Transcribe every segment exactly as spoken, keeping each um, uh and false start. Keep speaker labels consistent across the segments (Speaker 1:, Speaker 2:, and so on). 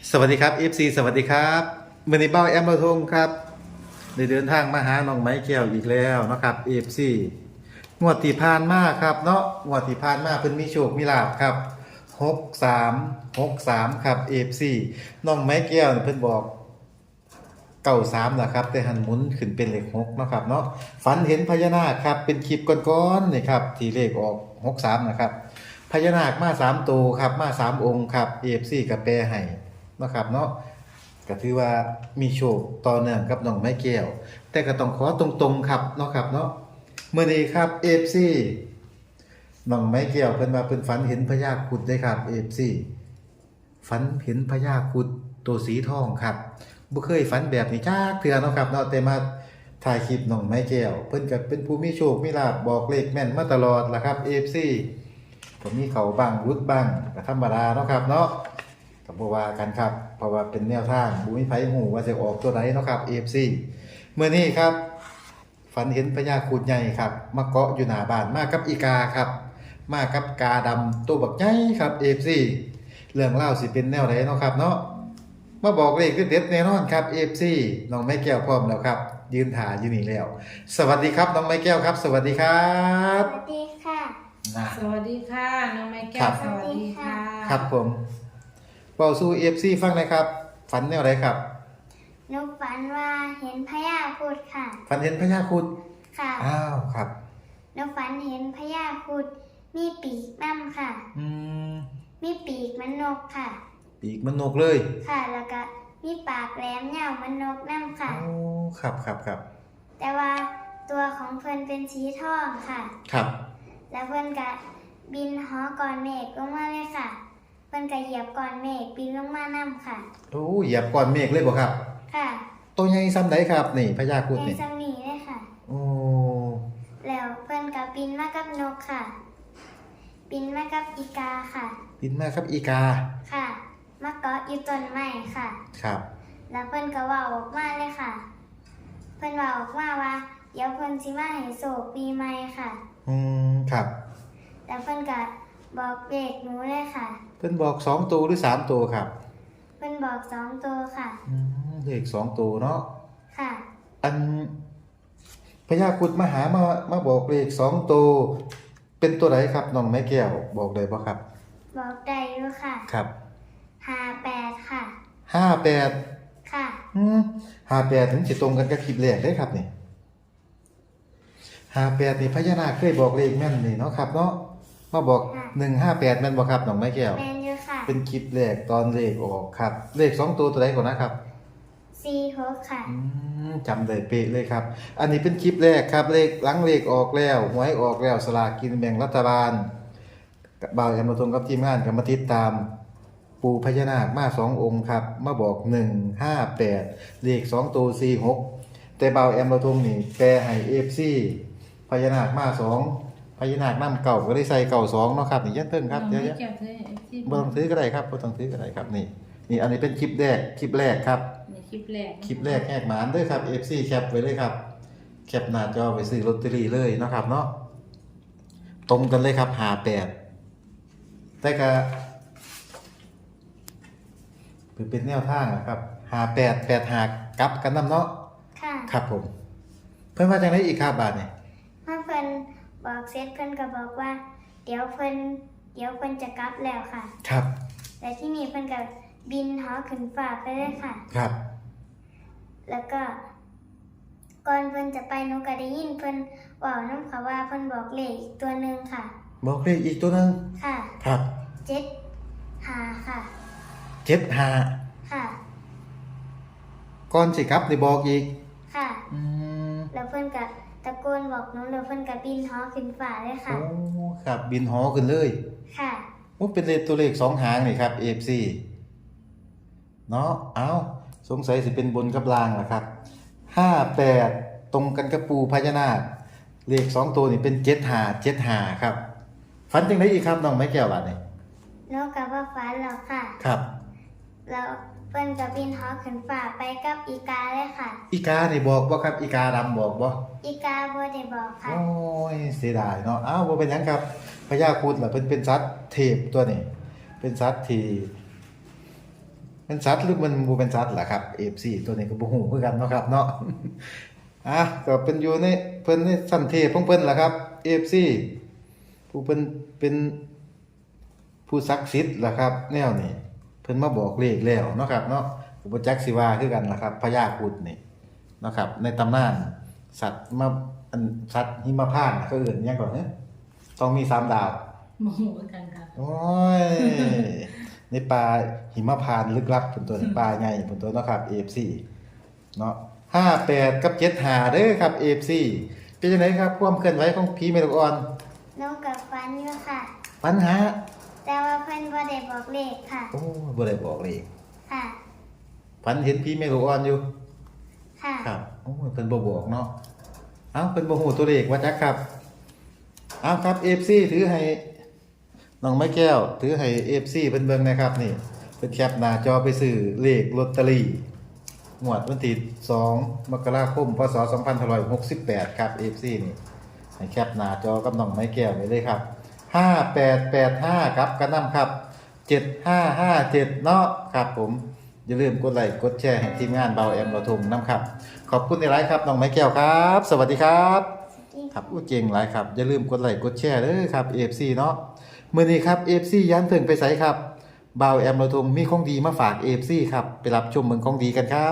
Speaker 1: สวัสดีครับ เอฟ ซี สวัสดีครับมื่อนี้เบ้าแอมเราทงครับได้เดินทางมาหาน้องไม้แก้วอีกแล้วนะครับ เอฟ ซี งวดที่ผ่านมาครับเนาะงวดที่ผ่านมาเพิ่นมีโชคมีลาภครับหกสาม หกสามครับ เอฟ ซี น้องไม้แก้วเพิ่นบอกเก้าสามล่ะครับแต่หันหมุนขึ้นเป็นเลขหกเนาะครับเนาะฝันเห็นพญานาคครับเป็นคลิปก่อนๆนี่ครับที่เลขออกหกสามนะครับพญานาคมาสามตัวครับมาสามองค์ครับ เอฟ ซี ก็แปลให้ เนาะครับเนาะก็ถือว่ามีโชคต่อเนื่องกับน้องไม้แก้วแต่ก็ต้องขอตรงๆครับเนาะครับเนาะเมื่อนี้ครับ เอฟ ซี น้องไม้แก้วเพิ่นว่าเพิ่นฝันเห็นพญาครุฑเด้ครับ เอฟ ซี ฝันเห็นพญาครุฑตัวสีทองครับบ่เคยฝันแบบนี้จักเทื่อเนาะครับเนาะแต่มาถ่ายคลิปน้องไม้แก้วเพิ่นก็เป็นผู้มีโชคมีลาภบอกเลขแม่นมาตลอดล่ะครับ เอฟ ซี ก็มีเขาบ้างรุดบ้างก็ธรรมดาเนาะครับเนาะ กับบัวากันครับเพราะว่าเป็นแนวทางบุ้ยไผหูว่าจะออกตัวไหนเนาะครับ เอ เอฟ ซี เมื่อนี้ครับฝันเห็นพญาครุฑใหญ่ครับมาเกาะอยู่หน้าบ้านมากับอีกาครับมากับกาดำตัวบักใหญ่ครับ เอ เอฟ ซี เรื่องเล่าสิเป็นแนวไหนเนาะครับเนาะมาบอกเลขเด็ดๆแน่นอนครับ เอ เอฟ ซี น้องไม้แก้วพร้อมแล้วครับยืนถ่ายอยู่นี่แล้ว สวัสดีครับน้องไม้แก้วครับ สวัสดีครั
Speaker 2: ส
Speaker 1: บ
Speaker 2: วัสดีค่ะ
Speaker 1: นะ
Speaker 3: สวัสดีค่ะน้องไม้แก้
Speaker 1: ครั
Speaker 3: ว
Speaker 1: บ
Speaker 3: สวัสดีค่ะ
Speaker 1: ครับผมเบาสู่ เอ เอฟ ซี ฟังหนะครับ ฝันแนวไหนครับ
Speaker 2: หนูฝันว่าเห็นพญาครุฑค่ะ
Speaker 1: ฝันเห็นพญาครุฑ
Speaker 2: ค่ะ
Speaker 1: อ้าวครับ
Speaker 2: หนูฝันเห็นพญาครุฑมีปีกน้ำค่ะ
Speaker 1: อืม
Speaker 2: มีปีกมันนกค่ะ
Speaker 1: ปีกมันนกเลย
Speaker 2: ค่ะ แล้วก็มีปากแหลมยาวมันนกน้ำค่ะ
Speaker 1: โอ้ครับครับครับ
Speaker 2: แต่ว่าตัวของเพิ่นเป็นสีทองค่ะ
Speaker 1: ครับ
Speaker 2: แล้วเพิ่นก็บินหอก่อนเมฆลงมาเลยค่ะ เพิ่นก็เหยียบก่อนเมฆบินลงมาน้ำค่ะ
Speaker 1: โอ้เหยียบก้อนเมฆเลยบ่ครับ
Speaker 2: ค่ะ
Speaker 1: ตัวใหญ่ซ้ำใดครับ นี่พญาครุฑ
Speaker 2: ใน
Speaker 1: นี่
Speaker 2: สมีเลยค่ะ
Speaker 1: โอ้
Speaker 2: แล้วเพิ่นก็บินมากับนกค่ะ บินมากับอีกาค่ะ
Speaker 1: บินมาครับอีกา
Speaker 2: ค่ะ มาเกาะอยู่ต้นไม้ค่ะ
Speaker 1: ครับ
Speaker 2: แล้วเพิ่นก็เว่าออกมาเลยค่ะ เพิ่นเว่าออกมาว่าเดี๋ยวเพิ่นสิมาให้โศกปีใหม่ค่ะ
Speaker 1: อืมครับ
Speaker 2: แล้วเพิ่นก็บอกเลขหนูเลยค่ะ
Speaker 1: เพิ่นบอกสองตัวหรือสามตัวครับ
Speaker 2: เพิ่นบอกสองตัวค่ะ
Speaker 1: อืมเลขสองตัวเนาะ
Speaker 2: ค่ะ
Speaker 1: อันพญาครุฑมาหามามาบอกเลขสองตัวเป็นตัวไหนครับน้องไม้แก้วบอกได้บ่ครับ
Speaker 2: บอกได้อยู่ค่ะ
Speaker 1: ครับ
Speaker 2: ห้าแปดค่ะ
Speaker 1: ห้าแปด
Speaker 2: ค่ะ
Speaker 1: อืมห้าแปดถึงสิตรงกันกับคลิปแรกได้ครับนี่ห้าแปดนี่พญานาคเคยบอกเลขแม่นนี่เนาะครับเนาะมาบอก
Speaker 2: ค่ะ
Speaker 1: หนึ่งห้าแปดแม่นบ่ครับน้องไม้แก้ว
Speaker 2: แมนอยู่ค่ะ
Speaker 1: เป็นคลิปแรกตอนเลขออกครับ เลขสองตัวตัวไหนก่อนนะครับ
Speaker 2: สี่หกค่ะ
Speaker 1: อืมจำได้เป๊ะเลยครับ อันนี้เป็นคลิปแรกครับ เลขหลังเลขออกแล้วหวยออกแล้วสลากกินแบ่งรัฐบาลบ่าวแอมมาตรงกับทีมงานกับมาติดตาม ปู่พญานาคมาสององค์ครับ มาบอกหนึ่งห้าแปดเลขสองตัวสี่หกแต่บ่าวแอมเราทงนี่แปลให้เอฟซีพญานาคมาสองพญานาคน้ำเก่าก็ได้ใส่เก่าสองเนาะครับนี่ยันเพิ่งครับ
Speaker 3: น้อง
Speaker 1: เดี๋ยว
Speaker 3: ไม้
Speaker 1: ๆ
Speaker 3: แก้วเธอที่
Speaker 1: บ่ต้องซื้อก็ได้ครับบ่ต้องซื้อก็ได้ครับนี่นี่อันนี้เป็นคลิปแรกคลิปแรกครับ
Speaker 3: ในคลิปแรก
Speaker 1: คลิปแรกแหกหมานเด้วยครับ เอฟ ซี แคปไว้เลยครับแคปหน้าจอไปซื้อลอตเตอรี่เลยเนาะครับเนาะตรงกันเลยครับห้าแปดแต่ก็เป็นแนวทางอะครับห้าแปด แปดห้ากลับกันนำเนาะ
Speaker 2: ค่ะ
Speaker 1: ครับผม เพิ่นว่าจังได๋อีกครับบาดนี้
Speaker 2: เมื่อเพิ่นบอกเสร็จเพิ่นก็บอกว่า เดี๋ยวเพิ่นเดี๋ยวเพิ่นจะกลับแล้วค่ะ
Speaker 1: ครับ
Speaker 2: แต่ที่นี่เพิ่นก็บินหอขึ้นฟ้าไปเลยค่ะ
Speaker 1: ครับ
Speaker 2: แล้วก็ ก่อนเพิ่นจะไปหนูก็ได้ยินเพิ่นเว้านำค่ะว่าเพิ่นบอกเลขอีกตัวหนึงค่ะ
Speaker 1: บอกเลขอีกตัวหนึง
Speaker 2: ค่ะ
Speaker 1: ครับ
Speaker 2: เจ็ดห้าค่ะ
Speaker 1: เจ็ดห้า
Speaker 2: ค่ะ
Speaker 1: ก่อนสิกลับได้บอกอีก
Speaker 2: ค่ะ
Speaker 1: อืม
Speaker 2: แล้วเพิ่นก็ตะโกนบอกหนูแล้วเพิ่นก็บินหอขึ้นฟ้าเลยค่ะ
Speaker 1: โอ้ครับบินหอขึ้นเลย
Speaker 2: ค่ะ
Speaker 1: โอ้เป็นเลขตัวเลขสองหางนี่ครับ เอฟ ซี เนาะเอาสงสัยสิเป็นบนกับล่างล่ะครับห้าแปดตรงกันกับปูพญานาคเลขสองตัวนี่เป็นเจ็ดห้าเจ็ดห้าครับฝันจังไดอีกครับน้องไม้แก้วบาดนี่
Speaker 2: หนูก็บ่ฝันหรอกค่ะ
Speaker 1: ครับ
Speaker 2: แล้วเพิ่นก็บินหอขึ้นฟ้าไปกับอีกาเลยค่ะ
Speaker 1: อีกานี่บอกบ่ครับอีกาดำบอกบ่
Speaker 2: อีกาบ่ได้บอกค่ะ
Speaker 1: โอ้ยเสียดายเนาะอ้าวบ่เป็นหยังครับพญาครุฑล่ะเพิ่นเป็นสัตว์เทพตัวนี้เป็นสัตว์ที่เป็นสัตว์หรือมันบ่เป็นสัตว์ล่ะครับ เอ เอฟ ซี ตัวนี้ก็บ่ฮู้คือกันเนาะครับเนาะ อ่ะก็เป็นอยู่ในเพิ่นในสันเทพของเพิ่นล่ะครับ เอ เอฟ ซี ผู้เพิ่นเป็นผู้ศักดิ์สิทธิ์ล่ะครับ แนวนี้เพิ่นมาบอกเลขแล้วเนาะครับเนาะก็บ่จักสิว่าคือกันล่ะครับพญาครุฑนี่เนาะครับในตำนานสัตว์มาอันสัตว์หิมพานต์เขาเอิ้นหยังก่อนเด้อต้องมีสามดาว
Speaker 3: โมโหกันค่ะ
Speaker 1: โอ้ย ในป่าหิมพานต์ลึกลับเป็นตัวป่าใหญ่เป็นตัวเนาะครับ เอ เอฟ ซี เนาะห้าแปดกับเจ็ดห้าเด้อครับ เอ เอฟ ซี เป็นจังไดครับความเคลื่อนไหวของผีแม่ลูกอ่อน
Speaker 2: หนูกับฟันอยู่ค่ะ
Speaker 1: ปัญหา
Speaker 2: แต่ว่าเพิ่นบ่ได้บอกเลขค่ะ
Speaker 1: โอ้บ่ได้บอกเลย
Speaker 2: ค่ะ
Speaker 1: ฝันเห็นผีแม่ลูกอ่อนอยู่
Speaker 2: ค่ะ
Speaker 1: ครับโอ้ยเพิ่นบ่บอกเนาะเอ้าเพิ่นบ่ฮู้ตัวเลขว่าจักครับเอ้าครับ เอ เอฟ ซี ถือให้น้องไม้แก้ว ถือให้ เอ เอฟ ซี เพิ่นเบิ่งนะครับนี่เพิ่นแคปหน้าจอไปซื้อเลขลอตเตอรี่งวดวันที่สองมกราคมพศสองพันห้าร้อยหกสิบแปดครับ เอ เอฟ ซี นี่ให้แคปหน้าจอกับน้องไม้แก้วไว้เลยครับห้าแปดแปดห้าครับกระนำครับเจ็ดห้าห้าเจ็ดเนาะครับผมอย่าลืมกดไลค์กดแชร์ให้ทีมงานเบาแอมเราทุ่งน้ำครับขอบคุณในไลฟ์ครับน้องไม้แก้วครับ สวัสดีครับ ครับอู้เก่งหลายครับอย่าลืมกดไลค์กดแชร์เด้อครับ เอ เอฟ ซี เนาะมื้อนี้ครับ เอ เอฟ ซี ยันถึงไปไสครับบ่าวแอมเราทงมีของดีมาฝาก เอ เอฟ ซี ครับไปรับชมเมืองของดีกันครับ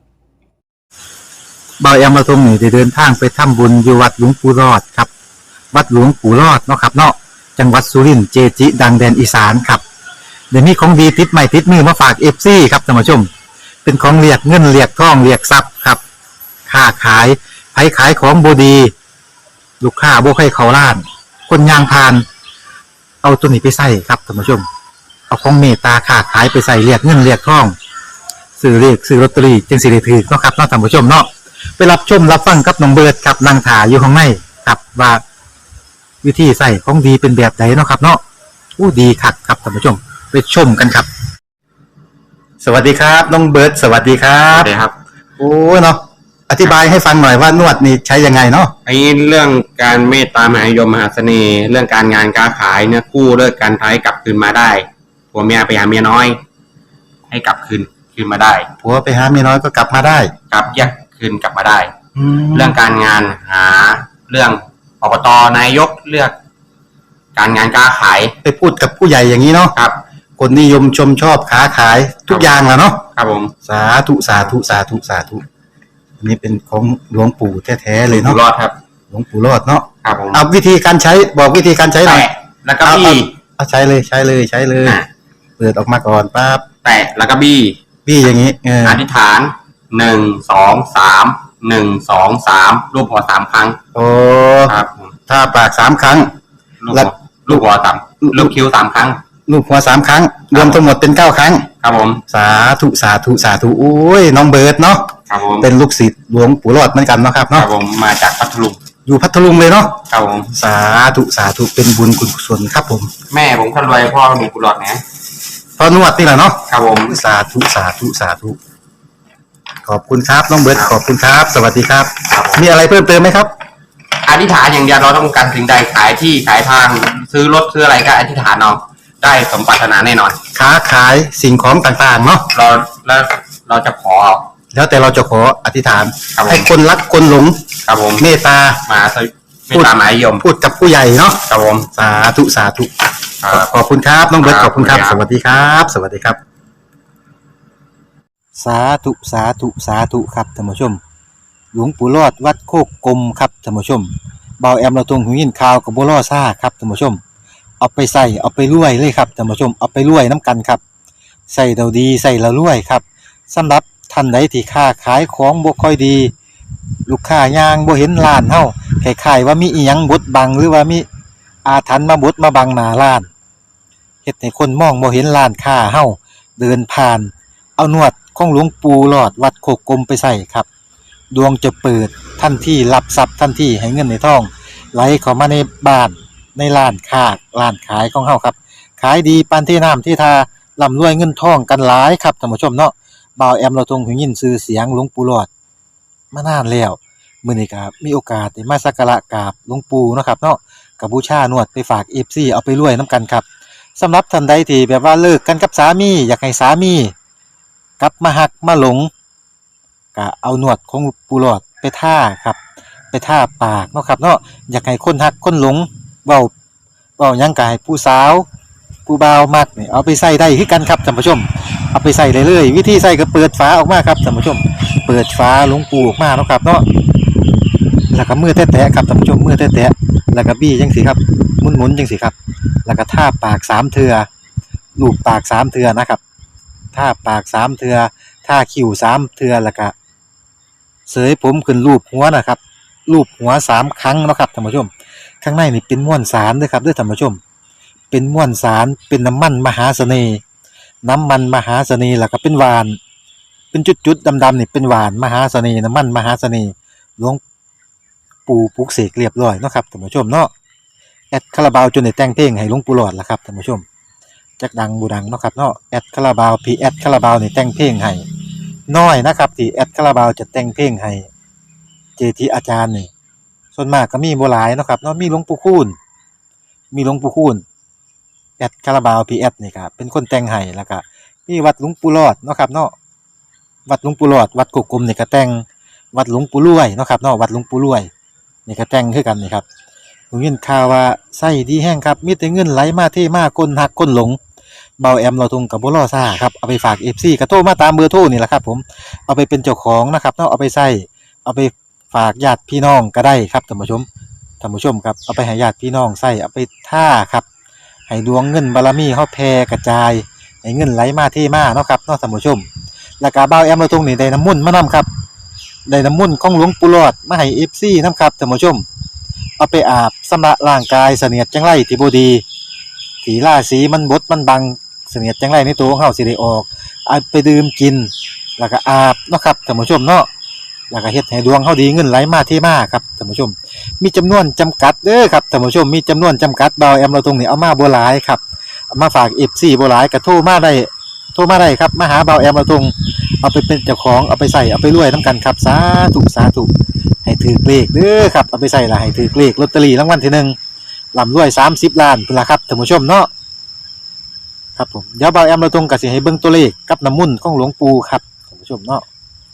Speaker 1: บ่าวแอมเราทงนี่ได้เดินทางไปทำบุญอยู่วัดหลวงปู่รอดครับวัดหลวงปู่รอดเนาะครับเนาะจังหวัดสุรินทร์เจจิดังแดนอีสานครับเดี๋ยวมีของดีติดใหม่ติดมือมาฝาก เอฟ ซี ครับท่านผู้ชมเป็นของเรียกเงินเรียกทองเรียกทรัพย์ครับค้าขายไผขายของบ่ดีลูกค้าบ่ให้เขาล้าน คนยางพาน เอาตัวนี้ไปใส่ครับท่านผู้ชม เอาของเมตตาค้าขายไปใส่เรียกเงินเรียกทองซื้อเรียกซื้อลอตเตอรี่จึงสิได้ถือเนาะครับเนาะท่านผู้ชมเนาะไปรับชมรับฟังกับน้องเบิร์ดครับนางถาอยู่ข้างในครับว่าวิธีใส่ของดีเป็นแบบไหนเนาะครับเนาะอู้ดีคักครับท่านผู้ชมไปชมกันครับ สวัสดีครับน้องเบิร์ดสวัสดีครั
Speaker 4: ครับ บครับ
Speaker 1: โอ้เนาะอธิบายให้ฟังหน่อยว่านวดนี่ใช้ยังไงเนาะ
Speaker 4: ไอ้เรื่องการเมตตามหานิยมมหาเสน่ห์ เรื่องการงานการขายเนี่ยกู้เลิกการท้ายกลับคืนมาได้ผัวเมียไปหาเมียน้อย ให้กลับคืนคืนมาได้
Speaker 1: ผัวไปหาเมียน้อยก็กลับมาได้
Speaker 4: กลับแยกคืนกลับมาได้
Speaker 1: แล้
Speaker 4: เรื่
Speaker 1: ว
Speaker 4: องการงานหาเรื่องอบตนายกเลือก การงานการขาย
Speaker 1: ไปพูดกับผู้ใหญ่อย่างนี้เนาะ
Speaker 4: ครับ
Speaker 1: คนนิยมชมชอบค้าขายทุกอย่างแหล้วเนาะ
Speaker 4: ครับผม
Speaker 1: สาธุสาธุสาธุสาธุอันนี้เป็นของหลวงปู่แท้ๆเลย
Speaker 4: อยู่
Speaker 1: เนาะ
Speaker 4: รอดครับ
Speaker 1: หลวงปู่รอดเนาะ
Speaker 4: ครับผม
Speaker 1: เอาวิธีการใช้บอกวิธีการใช้หน่อย
Speaker 4: แตะแล้วก็บี้
Speaker 1: เอาใช้เลยใช้เลยใช้เลย
Speaker 4: อ่ะ
Speaker 1: เปิดออกมาก่อนปั๊บ
Speaker 4: แตะแล้วก็บี้
Speaker 1: พี่อย่างนี้เออ
Speaker 4: อธิษฐานหนึ่งสองสามหนึ่งสองสามรูปหัวสามครั้ง
Speaker 1: โอ้
Speaker 4: ครับผม
Speaker 1: ถ้าปากสามครั้ง
Speaker 4: ลูก
Speaker 1: แล้
Speaker 4: หั
Speaker 1: ว
Speaker 4: วลูกหัวสามลูกคิ้วสามครั้ง
Speaker 1: ลูกหัวสามครั้ง รวมทั้งหมดเป็นเก้าครั้ง
Speaker 4: ครับผม
Speaker 1: สาธุสาธุสาธุโอ้ยน้องเบิร์ดเนาะ
Speaker 4: ครับผม
Speaker 1: เป็นลูกศิษย์หลวงปู่รอดเหมือนกันเนาะครับ
Speaker 4: ครั
Speaker 1: เนาะ
Speaker 4: บผมมาจากพัทลุง
Speaker 1: อยู่พัทลุงเลยเนาะ
Speaker 4: ครับผม
Speaker 1: สาธุสาธุเป็นบุญกุศลครับผม
Speaker 4: แม่ผมคนรวยพ่อมีกุหลาบนะ
Speaker 1: พอนวดนี่แหละเนาะ
Speaker 4: ครับผม
Speaker 1: สาธุสาธุสาธุขอบคุณครับน้องเบิร์ดขอบคุณครับ สวัสดีครับ
Speaker 4: ครับผม
Speaker 1: มีอะไรเพิ่มเติมไหมครับ
Speaker 4: อธิษฐานอย่างเดียวเราต้องการสิ่งใดขายที่ขายทาง ซื้อรถซื้ออะไรก็อธิษฐานเอาได้สมปรารถนาแน่นอน
Speaker 1: ค้าขายสิ่งของต่างๆเนาะ
Speaker 4: เราแล้วเราจะขอ
Speaker 1: แล้วแต่เราจะขออธิษฐาน
Speaker 4: ครับผม
Speaker 1: ให้คนรักคนหลง
Speaker 4: ครับผม
Speaker 1: เมตตา
Speaker 4: มาสวิไม่ตามหมายยม
Speaker 1: พูดกับผู้ใหญ่เนาะ
Speaker 4: ครับผม
Speaker 1: สาธุสาธุ
Speaker 4: ครับ
Speaker 1: ขอบคุณครับน้องเบิร์ต
Speaker 4: ค
Speaker 1: ข
Speaker 4: รับ
Speaker 1: อบคุณครับ
Speaker 4: ขอบ
Speaker 1: ส
Speaker 4: คุณครับ
Speaker 1: วัสดีครับ สวัสดีครับ สาธุสาธุสาธุครับท่านผู้ชม หลวงปู่รอดวัดโคกกลมครับท่านผู้ชมเบาแอมเราตรงหูยินข่าวกับบัวล่อซ่าครับท่านผู้ชม เอาไปใส่เอาไปรวยเลยครับท่านผู้ชมเอาไปรวยน้ำกันครับใส่เราดีใส่เรารวยครับสำหรับท่านใดที่ค้าขายของบ่ค่อยดี ลูกค้ายางบ่เห็นร้านเฮาคล้ายๆว่ามีอีหยังบดบังหรือว่ามีอาถรรพ์มาบดมาบังหน้าร้านเฮ็ดให้คนมองบ่เห็นร้านค้าเฮาเดินผ่าน เอานวดของหลวงปู่หลอดวัดโคกกลมไปใส่ครับดวงจะเปิดทันทีรับทรัพย์ทันทีให้เงินในท้องไหลเข้ามาในบ้านในร้านค้าร้านขายของเฮาครับขายดีปานที่น้ำที่ทาร่ำรวยเงินทองกันหลายครับท่านผู้ชมเนาะบ่าวแอมเราทรงหูยินชื่อเสียงหลวงปู่หลอดมานานแล้วมื้อนี้ก็มีโอกาสได้มาสักการะกราบหลวงปู่เนาะครับเนาะก็บูชานวดไปฝาก เอฟ ซี เอาไปรวยนํกันครับสำหรับท่านใดที่แบบว่าเลิกกันกับสามีอยากให้สามีกลับมาหักมาหลงก็เอาหนวดของปูหลอดไปท่าครับ ไปท่าปากเนาะครับเนาะอยากให้คนหักคนหลงเว้าเว้าหยังกายผู้สาวผู้บ่าวมักนี่เอาไปใส่ได้คือกันครับท่านผู้ชมเอาไปใส่เลยเลยวิธีใส่ก็เปิดฝาออกมาครับท่านผู้ชมเปิดฝาหลวงปูออกมาเนาะครับเนาะแล้วก็มือแตะๆครับท่านผู้ชมมือแตะๆแล้วก็บี้จังสิครับหมุนๆจังสิครับแล้วก็ท่าปากสามเทื่อลูบปากสามเทื่อนะครับท่าปากสามเทื่อท่าคิ้วสามเทื่อแล้วก็เสยผมขึ้นรูปหัวนะครับรูปหัวสามครั้งเนาะครับท่านผู้ชมข้างในนี่เป็นม้วนสารเด้อครับเด้อท่านผู้ชมเป็นม้วนสารเป็นน้ำมันมหาเสน่ห์น้ำมันมหาเสน่ห์แล้วก็เป็นหวานเป็นจุดๆดำๆนี่เป็นหวานมหาเสน่ห์น้ำมันมหาเสน่ห์หลวงปู่ปลุกเสกเรียบร้อยเนาะครับท่านผู้ชมเนาะแอดคาราบาวจนได้แต่งเพลงให้หลวงปู่หลอดล่ะครับท่านผู้ชมจักดังบูดังเนาะครับเนาะแอดคาราบาวพีแอดคาราบาวนี่แต่งเพลงให้น้อยนะครับที่แอดคาราบาวจะแต่งเพลงให้เจทีอาจารย์นี่ส่วนมากก็มีบ่หลายเนาะครับเนาะมีหลวงปู่คูณมีหลวงปู่คูณแอดคาราบาวพีแอดนี่ครับเป็นคนแต่งให้แล้วก็มีวัดหลวงปู่หลอดเนาะครับเนาะวัดหลวงปู่หลอดวัดกุกกลมนี่ก็แต่งวัดหลวงปู่รวยเนาะครับเนาะวัดหลวงปู่รวยนี่ก็แต่งคือกันนี่ครับผมยินข่าวว่าไส้ดีแห้งครับมีแต่เงินไหลมาเทมาคนหักคนหลงเบาแอมเราทุงกับบ่รอซ่าครับเอาไปฝาก เอฟ ซี ก็โทรมาตามเบอร์โทรนี่แหละครับผมเอาไปเป็นเจ้าของนะครับเนาะเอาไปใส่เอาไปฝากญาติพี่น้องก็ได้ครับท่านผู้ชมท่านผู้ชมครับเอาไปให้ญาติพี่น้องใส่เอาไปท่าครับให้ดวงเงินบารมีเฮาแผ่กระจายให้เงินไหลมาเทมาเนาะครับเนาะท่านผู้ชมแล้วก็เบาแอมเราทุงนี่ได้น้ำมนต์มานํครับได้น้ำมนต์ของหลวงปู่หลอดมาให้ เอฟ ซี นํครับท่านผู้ชมเอาไปอาบชำระร่างกายเสนียดจังไรที่บ่ดีที่ราศีมันบดมันบังเสนียดจังไรในตัวของเฮาสิได้ออกเอาไปดื่มกินแล้วก็อาบเนาะครับท่านผู้ชมเนาะแล้วก็เฮ็ดให้ดวงเฮาดีเงินไหลมาเทมาครับท่านผู้ชมมีจำนวนจำกัดเด้อครับท่านผู้ชมมีจำนวนจำกัดเบาแอมเราตรงนี้เอามาบ่หลายครับเอามาฝาก เอฟ ซี บ่หลายก็โทรมาได้โทรมาได้ครับมาหาเบาแอมเราตรงเอาไปเป็นเจ้าของเอาไปใส่เอาไปรวยนํกันครับสาธุสาธุให้ถือเลขเด้อครับเอาไปใส่ละให้ถือเลขลอตเตอรี่รางวัลที่หนึ่งร่ำรวยสามสิบล้านพุ่นล่ะครับท่านผู้ชมเนาะครับผมเดี๋ยวเบาแอมเราตรงก็สิให้เบิ่งตัวเลขกับน้ำมนต์ของหลวงปู่ครับท่านผู้ชมเนาะ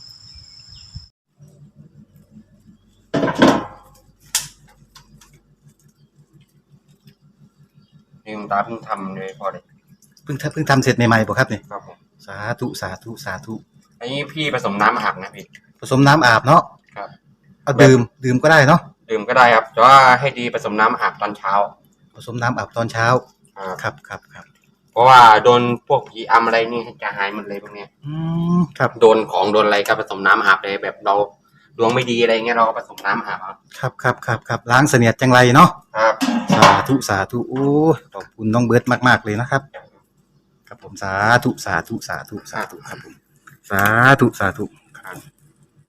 Speaker 4: นี่คุณตาเพิ่งทำเลยพอเลย
Speaker 1: เพิ่งทำเพิ่งทำเสร็จใหม่ๆบ่ครับนี่
Speaker 4: ครับผม
Speaker 1: สาธุสาธุสาธุ
Speaker 4: อันนี้พี่ผสมน้ำอาบนะพี่
Speaker 1: ผสมน้ำอาบเนาะ
Speaker 4: ครับ
Speaker 1: เอาดื่มดื่มก็ได้เนาะ
Speaker 4: ดื่มก็ได้ครับแต่ว่าให้ดีผสมน้ำอาบตอนเช้า
Speaker 1: ผสมน้ำอาบตอนเช้า
Speaker 4: ครับ
Speaker 1: ครับครับครับ
Speaker 4: เพราะว่าโดนพวกผีอำอะไรนี่จะหายหมดเลยพวกเนี้ย
Speaker 1: อืมครับ
Speaker 4: โดนของโดนอะไรก็ผสมน้ำอาบเลยแบบเราดวงไม่ดีอะไรเงี้ยเราก็ผสมน้ำอาบครับ
Speaker 1: ครับครับครับครับล้างเสนียดจังไรเนาะ
Speaker 4: ครับ
Speaker 1: สาธุสาธุโอ้ยขอบคุณน้องเบิร์ตมากๆเลยนะครับครับผมสาธุสาธุสาธุสาธุครับผมสาธุสาธุ
Speaker 4: ครับ